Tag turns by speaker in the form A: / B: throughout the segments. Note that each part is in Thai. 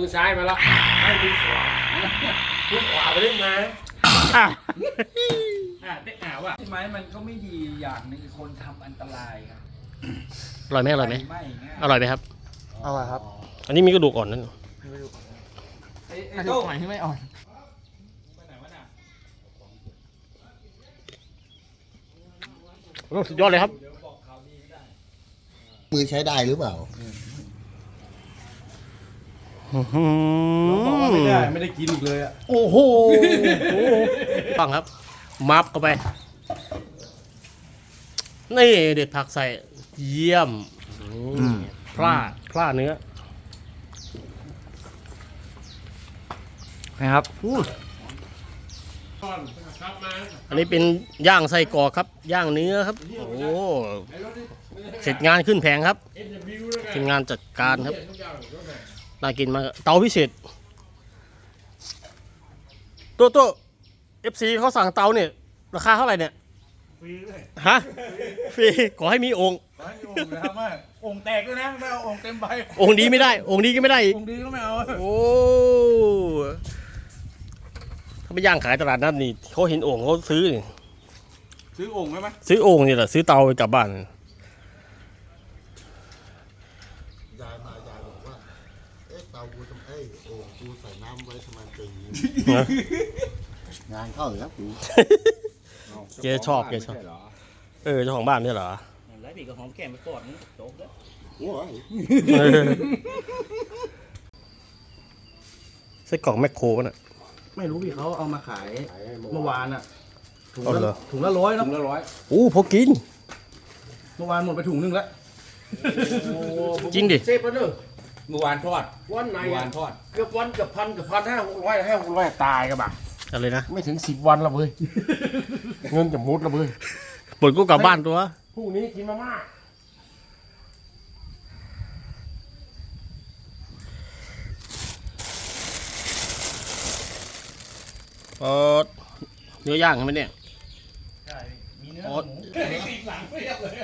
A: อซ้ายมาแล้วให้มือขวามือขวาไปเล่นมาได้ว่ะ
B: ใช่ไหมมันก็ไม่ดีอย่างนึงคือคนทำอันตรายครับ
C: อร่อยไหมอร่อยไหมอร่อยไหมครับ
D: อร่อยครับ
C: อันนี้มีกระดูกอ่อนนั่น
B: ไอ้โต้ที่ไม่อ่อน
C: สุดยอดเลยครับ
D: มือใช้ได้หรือเปล่า
B: บอกว่าไม่ได้กินอีกเลยอ่ะ
C: โอ้โหฟังครับมับเข้าไปนี่เด็ดผักใส่เยี่ยมพลาเนื้อ
B: นะครับ
C: อันนี้เป็นย่างไส้กรอกครับย่างเนื้อครับโอ้เสร็จงานขึ้นแผงครับทีมงานจัดการครับน่ากินมากเตาพิเศษตัว FC เขาสั่งเตาเนี่ยราคาเท่าไหร่เนี่ย
A: ฟรีเลย
C: ฮะฟรีขอให้มีองค์
B: นะครับว่าองค์แตกด้วยนะไม่เอาองค์เต็มใบ
C: องค์ดีไม่ได้องค์ดีก็ไม่ได้
B: องค์ดีก็ไม่เอา
C: โอ้ถ้าไปย่างขายตลาดนัดนี่เขาเห็นองค์เขาซื้อ
B: องค์ไหม
C: ซื้อองค์นี่แหละซื้อเตาไปกลับบ้าน
D: ยายบอกว่าเตากูทำโอ่งกูใส่น้ำไว้ทำไมเป็นอย่างนี้งานเข้าแล้วกู
C: เจ๊ชอบเจ้าของบ้านไม่ใช่เหรอ
B: แล้วพี่ก็หอมแก้มไปกอดนี่จบแล้ว
C: ไส้กรอกแมคโครป่ะน่ะ
B: ไม่รู้พี่เขาเอามาขายเมื่อวานอ่ะถุงละ100นะ
C: พอกิน
B: เมื่อวานหมดไปถุงนึงแล้ว
C: จริงดิ
A: เซฟไปเนอะ
B: เมื่อวานทอด
A: วันไหน
B: ทอด
A: เกือบวันกับพัน500ตายกันบ่ะ
C: อะไรนะ
A: ไม่ถึง10 วันละเว้ยเงินจะมุดละเว้ย
C: หมดก็กลับบ้านตัว
A: พรุ่งนี้กินมาม่า
C: เนื้อย่างใช่ไหมเนี่ย
B: ใช่มีเนื้อหมูติดหลังไม่ยับเลย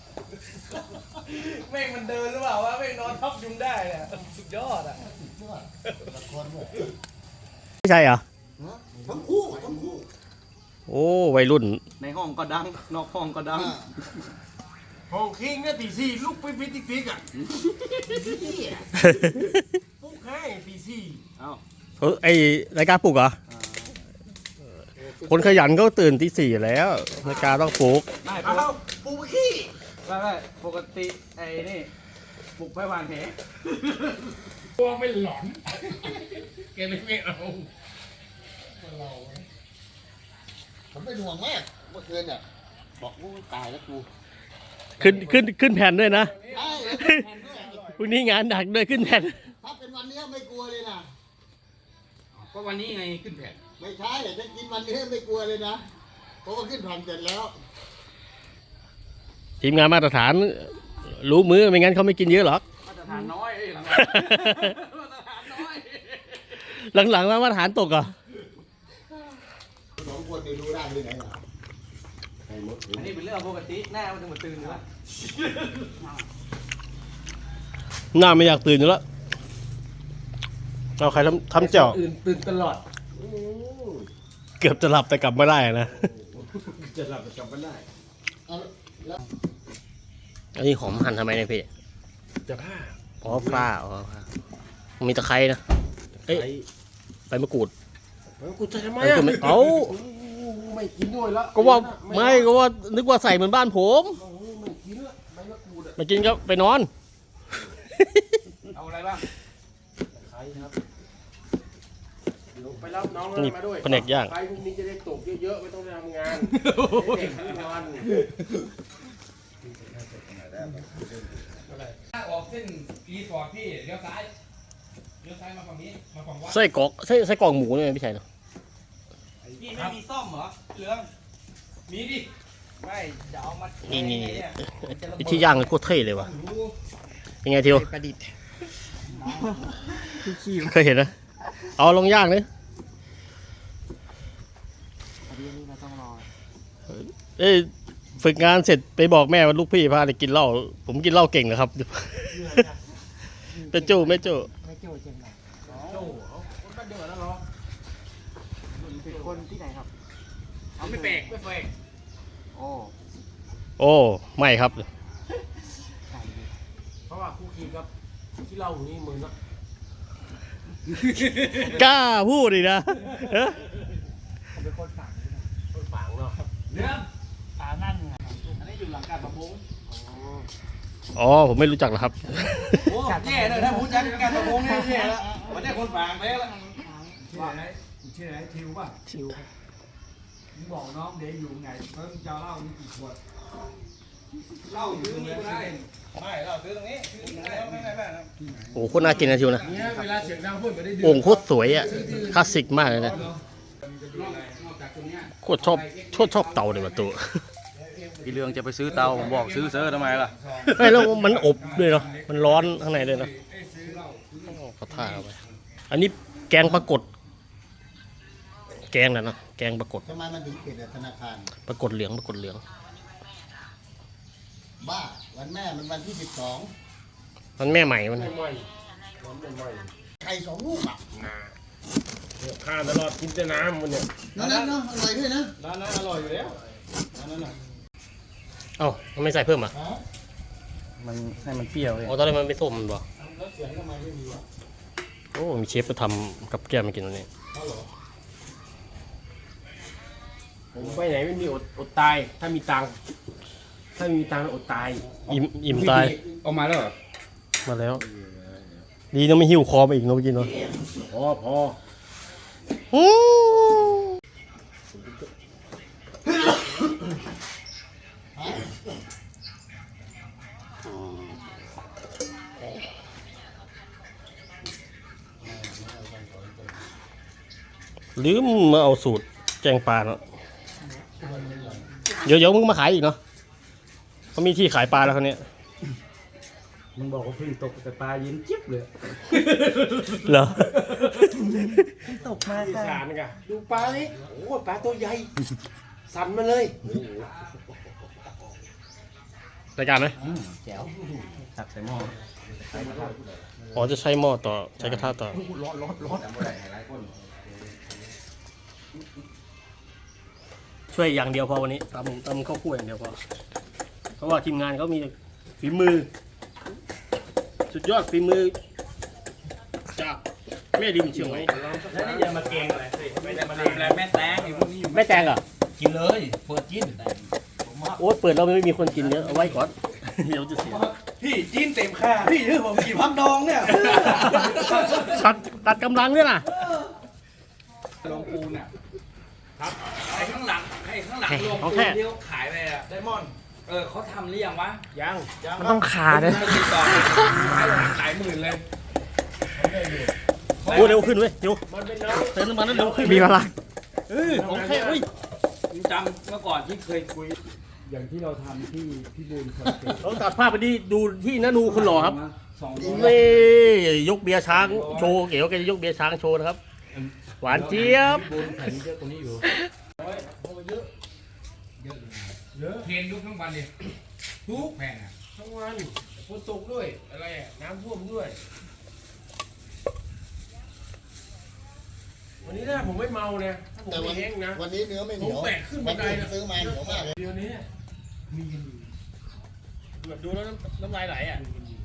B: แม่งมันเดินหรือเปล่าวะแม่งนอนทับยุงได้เนี่ยสุดยอดอ่ะ
C: ไม่ใช่เหรอ
D: ทั้งคู่
C: โอ้วัยรุ่น
B: ในห้องก็ดังนอกห้องก็ดัง
A: ห้องคิงเนี่ยตี 4ลูกปิ๊กอ่ะปุ๊กให้ตี 4
C: ไอรายการปลุกเหรอคนขยันก็ตื่นตี 4แล้วรายการต้องปลุก
A: ปุ๊กขี้
B: ไม่ปกติไอ้นี่ปลุกไปวานแห
A: ตัวไม่หลอนแกไม่เอา
D: ผมเป็นห่วงมากเมื่อคืนเนี่ยบอกกูตายแล้วกู
C: ขึ้นแผ่นด้วยนะพรุ่งนี้งานหนักด้วยขึ้นแผ่น
D: ถ้าเป็นวันนี้ไม่กลัวเลยนะ
B: ก็วันนี้ไงขึ้นแผ่น
D: ไม่ใช่ถ้ากินวันนี้ไม่กลัวเลยนะเพราะว่าขึ้นแผ่นเสร็จแล้ว
C: ทีมงานมาตรฐานรู้มือไม่งั้นเขาไม่กินเยอะหรอก
B: มาตรฐานน้อย
C: หลังมาตรฐานตกอ่ะ
D: 2 คนรู้ได้ที่ไหนล่ะ
B: อันนี้เป็นเรื่องปกติหน้ามันจะมาตื่นอยู่แล้ว
C: หน้าไม่อยากตื่นอยู่แล้วเอาใครทำเจ้า
B: ตื่นตลอด
C: เกือบจะหลับแต่กลับไม่ได้นะ
B: จะหลับแต่กลับไม่ได้
C: อันนี้หอมหั่นทำไมเนี่ยพี่
A: จะผ้า
C: ปลามีตะไคร้นะใบมะกรูด
A: กูจะทำไม
C: เอา
A: ไม่กินด้วยละ
C: ก็ว่านึกว่าใส่เหมือนบ้านผมไม่กินก็ไปนอน
B: เอาอะไรบ้าง
A: ใครครับไปรับน้องมาด้วย
C: แผนกย่าง
A: ใครพรุ่งนี้จะได้ตกเยอะๆไม่ต้องทำงานเด็กนอน
B: ถ้าออกเส้นรีสอร์ทพี่เลี้ยวซ้ายมาฝั่งนี้มาฝั่งวัด
C: ไส้กรอกหมูเนี่ยไม่ใช่หรอ
B: พี่ไม่มีซ่อมเหรอเหลืองมีดิไม่เดี๋ยวเอามา
C: นี่ที่ย่างโคตรเท่เลยว่ะยังไงทิว
B: ประดิษฐ์
C: เคยเห็นนะเอาลงย่างเลยฝึกงานเสร็จไปบอกแม่ว่าลูกพี่พาไปกินเหล้าผมกินเหล้าเก่งนะครับเป็นจู้ไม่จู้
B: จริงนะ
A: โจ้เขาคนบ้านเดียวกันแล้วเหรอ
B: เป็นคนที่ไหนครับ
A: เขาไม่แปลกไม่แปลก
B: โอ้
C: โอ้ไม่ครับ
B: ใช่ดิ
A: เพราะว่าคู่คีกับที่เล่าอยู่นี่มึงเนาะ
C: กล้าพูดดินะเอ๊ะ
B: ผมเป็นคนฝากด้วยนะ
A: คนฝางเนาะ
B: เรื่องตานั่นไงอันนี้อยู่หลังการประมง
C: อ๋อผมไม่รู้จักหรอกครับ
B: โอ้แย่เลยถ้าพูดจักการประมงเนี่ยแย่แล้วมันได้คนฝากไปแล้ว
E: ชื่ออะไรชื่ออะไรทิวป่ะ
B: ชิว
E: มึงบอกน้องเดี๋ยวอยู่ไงเพิ่งจะเล่านี่กี่ขวด
B: เหล้าอยู่ตรงนี้ก็ได้ไม่เหล้าซื้อตรงนี้ซื้อตรงนี้ไม่นะ
C: โอ้โหโคตรน่ากินนะทิวนะ
A: เนี่ยเวลาเสียงดังพูดไม่ได้ดื่ม
C: โอ่งโคตรสวยอ่ะคลาสสิกมากเลยนะ
B: นอกจากตรงเนี้ย
C: โคตรชอบเตาเลยว่ะตัว
B: พี่เรืองจะไปซื้อเตาผมบอกซื้อเซอร์ทำไมล่ะ
C: ไม่แล้วมันอบด้วยเนาะมันร้อนข้างในเลยเนาะเขาท่าเอาไปอันนี้แกงปรากฏแกงนะเนาะแกงปรากฏ
D: ทำไมมันถึงปิดอะธนาคาร
C: ปรากฏเหลืองปรากฏเหลือง
D: บ้า วันแม่มันวันที่
C: มันแม่ใหม่มัน
A: ไม่ไหวร้อนไม่ไหว
D: 12ไข่2 ลูกอ่ะ
A: เนี่ยข้ามตลอดกินแต่น้ำมันเนี่ย
D: นั่นเนาะอร่อยด้วยนะ
B: ร้านนั้นอร่อยอยู่แล้วร้านนั้นน่ะ
C: เอ้ามันไม่ใส่เพิ่มอ่ะ
D: ฮะ
B: มันให้มันเปรี้ยวเลย
C: อ๋อตอนแรกมันไม่ส้มมันบอก
D: แล้วเสียงทำไมไม่มีวะ
C: โอ้มีเชฟมาทำกับแก้มมากินวันนี้
D: เขาเหรอ
A: ผมไปไหนไม่มีอดตาย ถ้ามีตังค์ถ้ามีตังค์อดตาย
C: อิ่มตาย
B: ออกมาแล้วเหรอ
C: มาแล้ว ดีนะไม่หิวคอมาอีกเนอะเมื่อกี้เนาะ
A: พอ
C: อืม
D: ฮะ
C: ลืมมาเอาสูตรแกงปลาเนาะเดี๋ยวมึงมาขายอีกเนาะเขามีที่ขายปลาแล้วเขาวเนี้ย
E: มึงบอกว่าเพิ่งตกแต่ปลาเย็นจิ๊บเลย
C: เหรอ
B: ตกมา
A: ที่
B: ค่ะ
A: สารกันดูปลานี่โอ้ปลาตัวใหญ่ สั่นมาเลย
C: รายการไหม
B: แจ๋วสักใส่หม้อ
C: อ๋อจะใช้หม้อต่อใช้กระทะต่อ
B: ร้อน
C: ช่วยอย่างเดียวพอวันนี้ตำข้าวคั่วอย่างเดียวพอเพราะว่าทีมงานเขามีฝีมือ สุดยอดฝีมือจากแม่ริมเชียงใหม่
A: แล้วนี่จะมาเกงอะไรไม่ได้มา
B: ทำอะไรแม่แตงอยู่พวกนี้อยู่
C: แม่แตงเหรอ
A: กินเลยเปิดกิน
C: โอ้เปิดเราไม่มีคนกินเยอะเอาไว้ก่อน เดี๋ยวจะเสีย
B: พี่จีนเต็มค่าพี่ถือผมกินพักดองเนี่ย
C: ตัดกำลังด้วยล่ะ
B: ลงปูนอ่ะครับไอ้ข้างหลังลง
C: ของ
B: ปู
C: แท้
B: นที่เขาขายไปอะไดมอนด์เขาทำหรือยังวะ
A: ยัง
C: มันต้องขาด้วย
B: ไม่ติดต่อให้หลายหมื่นเลย
C: โอ้เร็วขึ้นเว้ยเร็ว
A: มันเป็นน้อง
C: เติมน้ำมันแล้วเร็วขึ้น
E: มีพลัง
C: ของแท้เว้ย
B: จำเมื่อก่อนที่เคยคุย
E: อย่างที่เราทำที่พี่บูลคอนเทนต์
C: เราตัดภาพไปดูที่นานูคุณหล่อครับ
B: 200
C: นี่ยกเบียร์ช้างโชว์เก๋วแกจะยกเบียร์ช้างโชว์นะครับ หวานเจี๊ยบ
A: บนแผ่นเยอะกว่านี้อยู่เยอะเทรนยุคทั้งวันเลยทุกแผ่นอะทั้งวันฝนตกด้วยอะไรอะน้ำท่วมด้วย วันนี้นะผมไม่เมาเนี่ยถ้าผม
D: แต่
A: ไม่
D: วัน
A: แห้งนะ
D: วันนี้เนื้อไม่เหนียว
A: ผมแบกขึ้นบั
D: วัน
A: นได
D: นี้
A: นะ
D: ซื้อมาเหนียวมากเลย
A: เดี๋ยวนี้มีกันอยู่
C: แบบดูแล้วน้ำลายไหลอ่ะ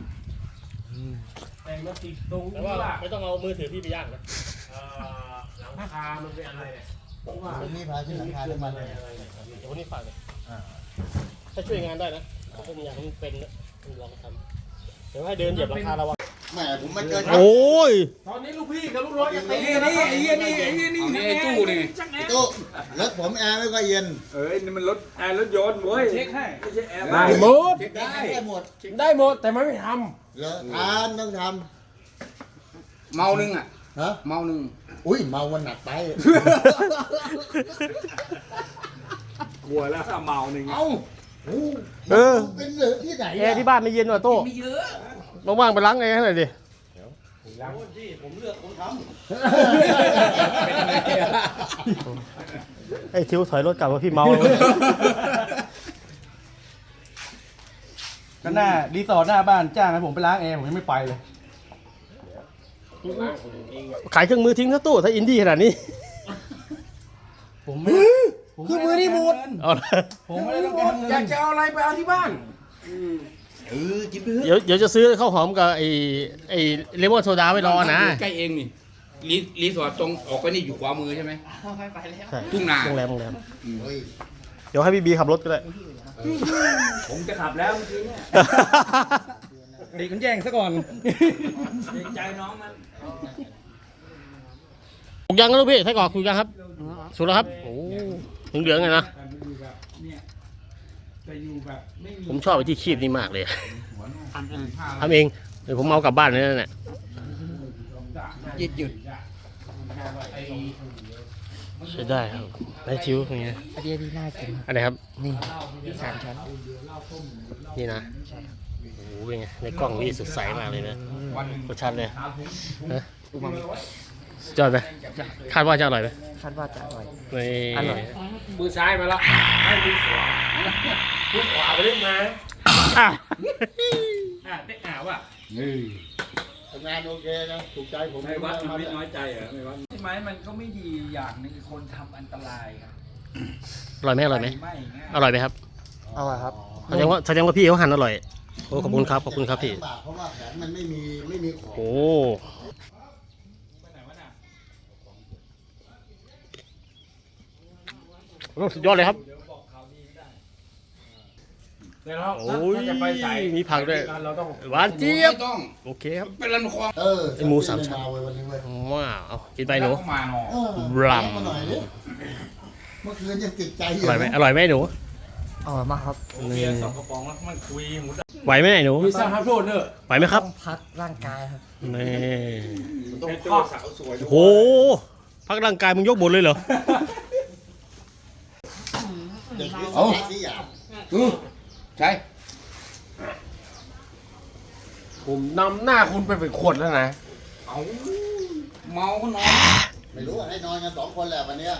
A: แต่มาติดตรง
C: แต่
A: ที่
C: ว่า
A: ว่า
C: ไม่ต้องเอามือถือพี่ไปย่างนะ
A: หลังคามันเป็นอะไรเนี่ยเพราะว่า
D: วันนี้พาขึ้นหลังคาขึ้นมาเลย
C: เดี๋ยววันนี้ฝากเลยถ้าช่วยงานได้นะผมอยากให้มันเป็นนะผมลองทำเดี๋ยวให้เดินเหยียบหลังคาเราอะ
D: แม่ผมมาเจอ
C: โอ้ย
A: ตอนนี้ลูกพี่กับลูกน้องจะตี
B: นี่ไอ้เหี้ยนี่ไอ้ตู้นี่
D: ตู้รถผมแอร์ไม่ค่อยเย็น
E: นี่มันรถแอร์รถยนต์เว้ย
B: เช็คให้ไม่ใช่แอร์
A: ได้หมด
D: ได้หมด
A: ได้หมดแต่มันไม่ท
D: เหรอทานต้องท
B: เมาหนึ่งอ่ะ
D: ำฮะ
B: เมาหนึ่ง
D: อุ้ยเมามันหนักไป
E: กลัวแล้วถ้าเมาหนึ่ง
B: เอ้า
C: เออ
D: เป็นเหลือที่ไหน
C: แอร์ที่บ้านไม่เย็นว่ะโต้
B: ไม่เยอะ
C: ว่างๆไปล้างแอร์ให้หน่อยดิ
B: ผมเลือกผมท
C: ไอ้ทิวถอยรถกลับมาพี่เมา
B: ก็หน้ารีสอร์ทหน้าบ้านจ้างให้ผมไปล้างแอร์ผมยังไม่ไปเลย
C: ขายเครื่องมือทิ้งซะตู้ถ้าอินดี้ขนาดนี้
B: ผมไม่คือมือนี่หมด
C: เอาละ
B: ผมไม่ได้ต้องการเงิน
A: อยากจะเอาอะไรไปเอาที่บ้าน
B: กินไปเถอะ
C: เดี๋ยวจะซื้อข้าวหอมกับไอ้เลมอนโซดาไว้รอนะ
A: ใกล้เองนี่รีสอร์ทตรงออกไปนี่อยู่ขวามือใช่ไหม
B: ไปแล้ว
C: ใช่
A: ทุ่งนา
C: โรงแรม
D: เฮ้ย
C: เดี๋ยวให้พี่บีขับรถก็ได้
B: ผมจะขับแล้วเมื่อกี้เนี่ยเด็กมันแย่งซะก่อนเด็กใจน้องมัน
C: ถูกยังก็ลูกพี่ไส้กรอกถูกยังครับสุดแล้วครับโอ้เหลืองๆไงนะ
E: เนี่ยจะอยู่แบบไม่มี
C: ผมชอบไอ้ที่คีบนี่มากเลยทำเองเดี๋ยวผมเอากลับบ้านเลยนั่นแหละ
B: หยุด
C: ใช้ได้ครับได้ทิวอย่างเงี้ย
B: อันนี้น่ากิน
C: อะไรครับ
B: นี่สามชั้น
C: นี่นะโอ้โหเป็นไงในกล้องนี่สดใสมากเลยนะรสชาติเลยฮะจอดไหมคาดว่าจะอร่อยไหม
B: คาดว่าจะอร่อย
C: ใน
B: อร่อย
A: มือซ้ายมาแล้วให้มือขวามือขวาไปเล่นมา
C: อ่ะ
A: เด็กหาว่ะ
D: ทำงานโอเคนะถูกใจผม
A: ไม่วัดมันไม่น้อยใจเหรอไม่วัด
E: ใช่ไหมมันก็ไม่ดีอย่างหนึงคนทำอันตรายครับ
C: อร่อยไหมอร่อยไหม
E: ไม่ง่าย
C: อร่อยไหมครับ
B: อร่อยครับ
C: แสดงว่าพี่เขาหั่นอร่อยโอ้ขอบคุณครับขอบคุณครับพี่
D: ลำบากเพราะว่าแขนมันไม่มีของ
C: โอ้โหสุดยอดเลยครับ
A: เดี๋ยวเรา
C: โอ้ย
A: ถ้าจะไปสาย
C: มีผักด้วย
A: เราต้อง
C: หวานเจี๊ยบ
A: ไม่ต้อง
C: โอเคครับ
A: เป็นลำคลอง
C: ไอ้หมูสามชั้น
D: เว้ยวันนี้เว้ย
C: ว้าวเอากินไปหนู
A: แล้วก็มาหนอ
C: รำ
D: มาหน่อยดิเมื่อคืนยังติดใจอ
C: อยู่ ร่อยไหมอร่อยไหมหนู
B: อร่อยมากครับ
A: เบียร์สองกระป๋องแล้วมันคุยหมูด
C: ไหวไหมหนู
A: มีสร้างภาพโทษเนอะ
C: ไหวไหมครับ
B: ต้องพักร่างกายครับ
C: นี่
A: ต้องข้อสาวสวย
C: โอ้โหพักร่างกายมึงยกบนเลยเหรอ
D: เด็กนี่สที่อยาก
A: ใช่ผมนำหน้าคุณไปเป็นขวดแล้วนะเอาเมาก็นอน
D: ไม่รู้ให้นอนกัน2 คนแหละวันเนี้ย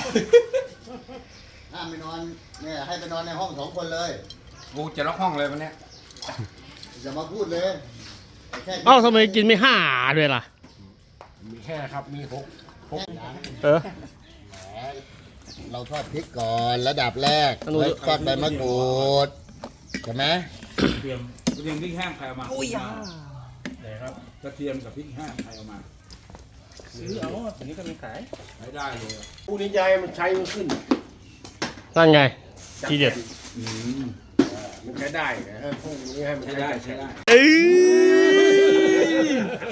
D: ห้ามไปนอนเนี่ยให้ไปนอนในห้อง2 คนเลย
A: กูจะล็อกห้องเลยวันเนี้ย
D: อย่ามาพูดเลยแค่
C: เอ้าทำไมกินไม่ห้าด้วยล่ะ
A: มีแค่ครับมีหก
C: เออ
D: แหมเราทอดพริกก่อนระดับแรก
C: อันนู้น
D: ไว้ทอดใบมะกรูดใช่ไหม
A: เตรียมพริกแห้งใครเอามา
B: อุ้ยอ่ะ
A: ไหนครับกระเทียมกับพริกแห้งใครเอามา
B: ซื้อเอาตัวนี้ก็มีขาย
A: ใช้ได้เลยผู้นี้ยายมันใช้มันขึ้น
C: นั่นไงทีเด็ด
A: มันใช้ได้นะพวกนี้ให้มันใช้ได้ใช้ได้
C: เอ้ย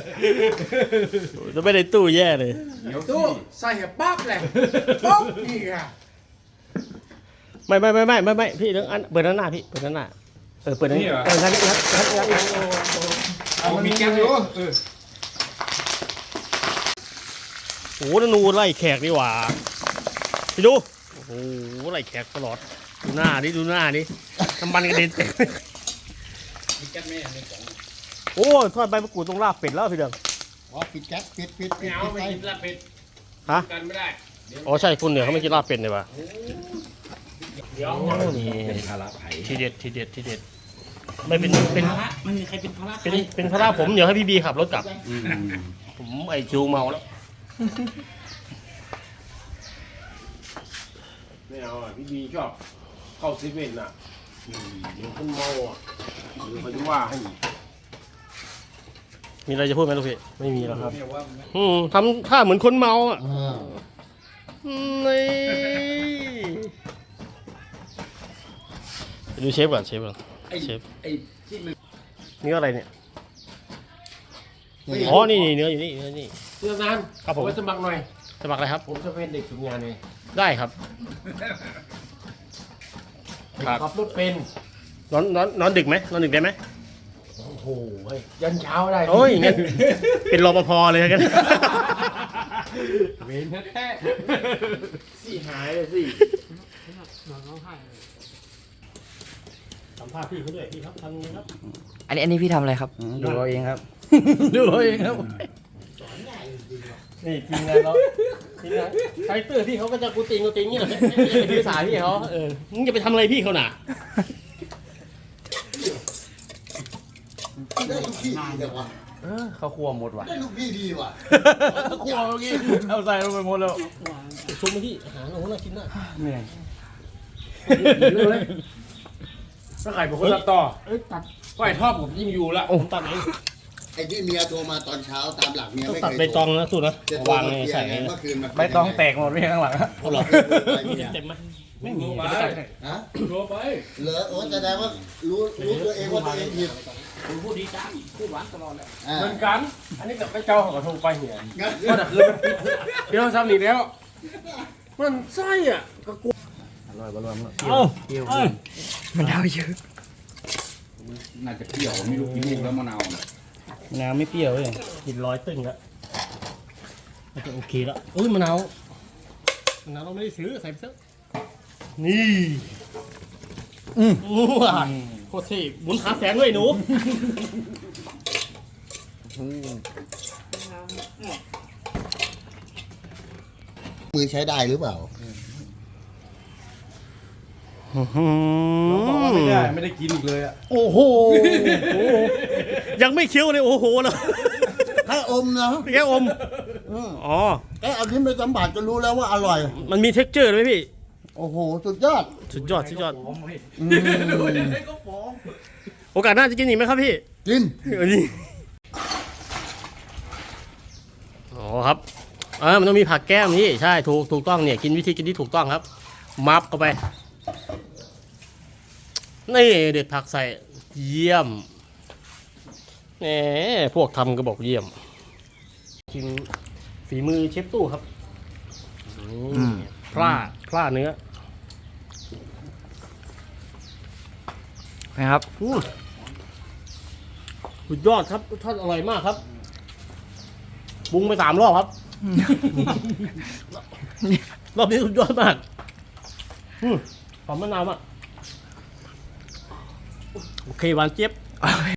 C: จะไม่ได้ตู้แย่เลย
A: เดี๋ยวตู้ใส่กับปั๊บเลยปุ๊บนี่ค่ะ
C: ไม่พี่เรื่องอันเปิดด้านหน้าพี่เปิดด้านหน้าเปิดด้านนี้งัด
A: เอามีแก๊สอยู่
C: โอ้โหนูไล่แขกดีกว่าพี่ดูโอ้โหไล่แขกตลอดดูหน้าดิน้ำมันกระเด็นเต็ม
A: มีแก๊สไหมในกล่อง
C: โอ้ยทอดใบมะกรูดตรงลาบเป็ดแล้วพี่เดิม
D: อ๋อปิดแก๊สปิด
A: ไม่เอาไม่กินลาบเป็ด
C: ฮะ
A: กันไม่ได้
C: อ๋อใช่คนเหนือเขาไม่กินลาบเป็ดเลยว่ะ
A: เดี๋ยว
C: โอ้นี่
A: เป็นภาระไผ่
C: ทีเด็ดไม่เป็น
B: มันมีใครเป็นภาระ
C: เป็นภาระผมเดี๋ยวให้พี่บีขับรถกลับผมไอคิวเมาแล้ว
A: ไม่เอาอ่ะพี่บีชอบเข้าเซเว่นอ่ะเดี๋ยวคนเมาอ่ะเดี๋ยวเขาจะว่าให้
C: มีอะไรจะพูดไหมลูกพี่ไม่มีแล้วครับ
A: เนี่ยว่า
C: ทำท่าเหมือนคนเมาอ่ะนี่ไปดูเชฟก่อนเชฟ
A: ไอ้ที่มัน
C: เนื้ออะไรเนี่ยอ๋อนี่เนื้ออยู่นี่เนื้อนี่
A: เรื่องนั้น
C: ครับผม
A: ไว้สมัครหน่อย
C: สมัครอะไรครับ
A: ผมจะเป็นเด็กฝึกงานเอง
C: ได้ครับ
A: ขับรถเป็น
C: นอนดึกไหมนอนดึกได้ไหม
A: โอ้โหเฮ้ยยันเช้าได้
C: โอ้ยงั้นเป็นรปภเลยกัน
A: เวนแท้ๆสี่หายเลยสิ
C: สัมภาษณ์พี่เขาด้วยพี่ครับทำไงครับ
B: อันนี้พี่ทำอะไรครับ ดูเอาเองครับ
C: ดูเองครับนี่ทีมงานเราทีมงานไฟเตอร์พี่เขาก็จะกูติงนี่แหละไปถือสายพี่เขามึงจะไปทำอะไรพี่เขาหน่ะ
D: ได้ทุกที่แต่ว่า
B: เขาครัวหมดว่ะ
D: ได้ลูกพี่ดีว่ะ
B: ครัวเมื่อกี้เอาใส่ลงไปหมดแล้ว
C: ชุบมาที่อาหารโอ้โหน่ากินมาก
B: เหนื่อยถ้าไข่ผมก็ตัดต่อ
E: เอ้ยตัด
A: ก้อยทอดผมยิ่งอยู่ละ
C: ผมตัดเอง
D: ไอ้ที่เมียโทรมาตอนเช้าตามหลักเมีย
C: ต้อง
D: ไม่
C: ตัด
D: เคย
C: ใบตองนะสุดนะ
D: จะโทร
C: วาง
D: มา
C: ใน
D: เคลีย
C: ใส่
D: ร์ไงเมื่อคืนมัน
B: ใบตองแตกหมดไม่ข้างหลัง
C: เอาหรอ
D: เต็ม
C: เต็มไหม
A: ไม่มีไป
D: ฮะ
A: โทรไป
D: เหรอโอ้แสดงว่ารู้ตัวเองว่าตัวเองผิด
A: คุณพูดดีจังพูดหวานตลอดเลย
D: อ่า
B: เหมือนกัน อันนี้กับไปเจ้าของกระทงไปเหีย
D: งั้น
B: ก็แต่คือมันเดี๋ยวซ้ำอีกแล้ว มันไส้อ่ะก็กูอร่อยบอลลูนเปรี้ยว
E: มันเอาเยอะ
A: น่าจะเปรี้ยวไม่รู้กี่ลูกแล้วมะนาว
C: น้ำไม่เปรี้ยวเลยกินร้อยตึ้งแล้วมันจะโอเคแล้วอุ้ยมะนาวเราไม่ได้ซื้อใส่ไปซะนี่ว้าวโคตรเท่หมุนขาแสงด้วยหนู
D: มือใช้ได้หรือเปล่า
B: บอกว่าไม่ได้กินอีกเลยอ่ะ
C: โอ้โห ยังไม่เคี้ยวเลยโอ้โหเลย
D: แค่อมนะ
C: แค่อม
D: อืม
C: อ๋อ
D: แค่เอาลิ้นไปสัมผัสก็รู้แล้วว่าอร่อย
C: มันมีเท็กเจอร์ด้วยพี่
D: โอ้โห สุดยอด
C: สุดยอดสุดยอด
D: อืม
C: โอกาสหน้าจะกินอีกไหมครับพี่
D: กิน
C: นี่อ๋อครับมันต้องมีผักแก้มนี่ใช่ถูกต้องเนี่ยกินวิธีกินที่ถูกต้องครับ มับเข้าไป นี่เด็ดผักใส่เยี่ยมแหมพวกทำก็บอกเยี่ยมกินฝีมือเชฟตู้ครับนี่พลาเนื้อ
B: นะครับ
C: สุดยอดครับรสชาติอร่อยมากครับปรุงไป3 รอบครับ รอบนี้สุดยอดมากหอมมะนาวมากโอเคหวานเจี๊ยบ